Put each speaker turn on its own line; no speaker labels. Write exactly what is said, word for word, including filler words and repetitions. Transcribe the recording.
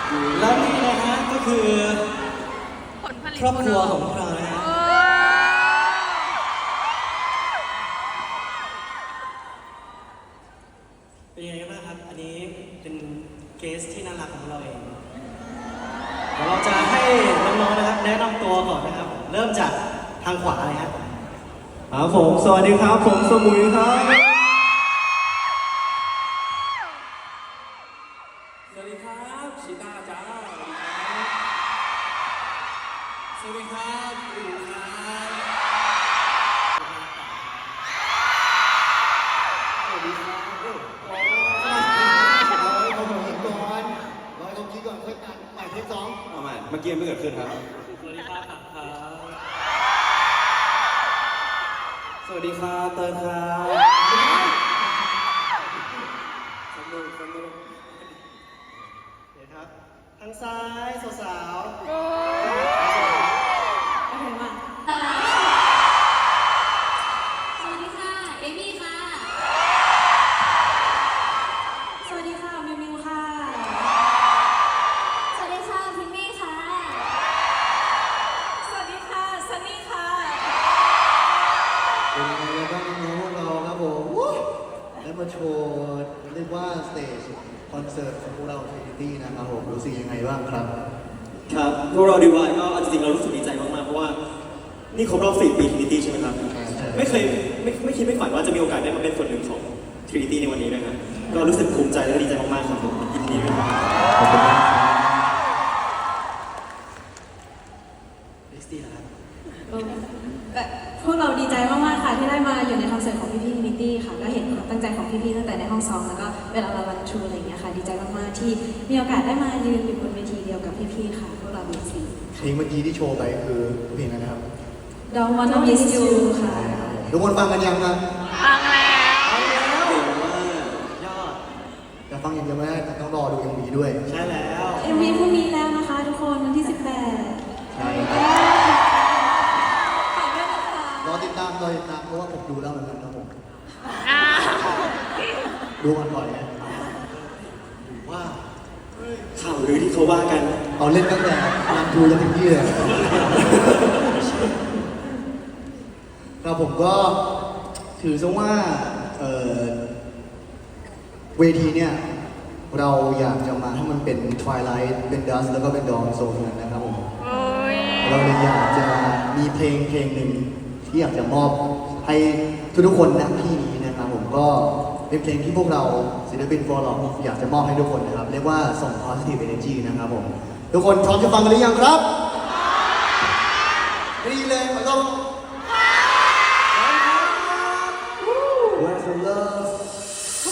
แล้วนี่นะฮะก็คือครอบครัวของเรานะฮะเป็นยังไงบ้างครับอันนี้เป็นเกสที่น่ารักของเราเองเดี๋ยวเราจะให้น้องๆนะครับแนะนำตัวก่อนนะครับเริ่มจากทางขวาเลยครับครับผมสวัสดีครับผมสมุยครับ
สวัสดีครับชิต้าจ้าสวัสดีครับอู๋ครับสวัสดีครับโอ้โห
ร้อยเขาคิดก่อนร้อยเขาคิดก่อนค่อยตัดใหม่เทคสอง
เอาใหม่เมื่อกี้ไม่เกิดขึ้นครับ
สวัสดีครับ
สวัสดีครับเติร์นครับสนุกสนุก
เดี๋ยวครับทางซ้ายสาวๆ
โอเคมาสวัสดีค่ะ เอมี่ค่ะ สวัสดีค่ะ มิวมิวค่ะ สวัสดีค่ะ พิมมี่ค่ะ สวัสดีค่ะซันนี่ค่ะ
เป็นยังไงบ้างน้องๆเราครับผมได้มาโชว์เรียกว่าสเตจคอนเสิร์ตของพวกเรา Trinity นะครับผมรู้สึกยังไงบ้างครับ
ครับพวกเราดีวายก็จริงๆเรารู้สึกดีใจมากๆเพราะว่านี่ครบรอบสี่ปี Trinity ใช่ไหมครับไม่เคยไม่ไม่คิดไม่ฝันว่าจะมีโอกาสได้มาเป็นส่วนหนึ่งของ Trinity ในวันนี้นะครับก็รู้สึกภูมิใจและดีใจมากๆครับผมยินดีด้วยครับ
ขอบคุณมากครับ
ลิสตี้นะครับ
พวกเราดีใจมากๆค่ะที่ได้มาอยู่ในคอนเสิร์ตของพี่พี่นิตี้ค่ะก็เห็นความตั้งใจของพี่พี่ตั้งแต่ในห้องซ้อมแล้วก็เวลาเรารันทรูอะไรอย่างเงี้ยค่ะดีใจมากๆที่มีโอกาสได้มายืนอยู่บนเวทีเดียวกับพี่พี่ค่ะพวกเราบีซี
เพลงเมื่อกี้ที่โชว์ไปคือเพลงอะไรนะครับ
Don't Wanna Miss You ค่ะ
ทุกคนฟังกันยังครับ
ฟังแล้ว
เอาแล้ว
เก่งมาก
ยอด
แต่ฟังอย่างเดียวไม่ได้แต่ต้องรอดู เอ็ม วี ด้วย
ใช่แล้ว
เอ็มวีพรุ่งนี้แล้วนะคะทุกคนวันที่สิบแปด
ใช่ครับ
ฝากด้วยนะคะ
รอติดตามรอติดตามเพราะว่าผมดูแล้วเหมือนกันครับผมดูมันบ่อยนะ
ว่า
ข่าวลือที่เขาว่ากัน
เอาเล่นตั้งแต่รันทูจนถึงที่เลยครับผมก็ถือซะว่าเอ่อเวทีเนี่ยเราอยากจะมาให้มันเป็น Twilight เป็น Dusk แล้วก็เป็น Dawn โซนนั้นนะครับผมเราเลยอยากจะมีเพลงเพลงหนึ่งที่อยากจะมอบให้ทุกๆคนณที่นี้นะครับผมก็เป็นเพลงที่พวกเราศิลปินฟอร์ลอกอยากจะมอบให้ทุกคนนะครับเรียกว่าส่ง positive energy นะครับผมทุกคนพร้อมจะฟังกันหรือยังครับดีเลยขอต้อนรับ Where's the love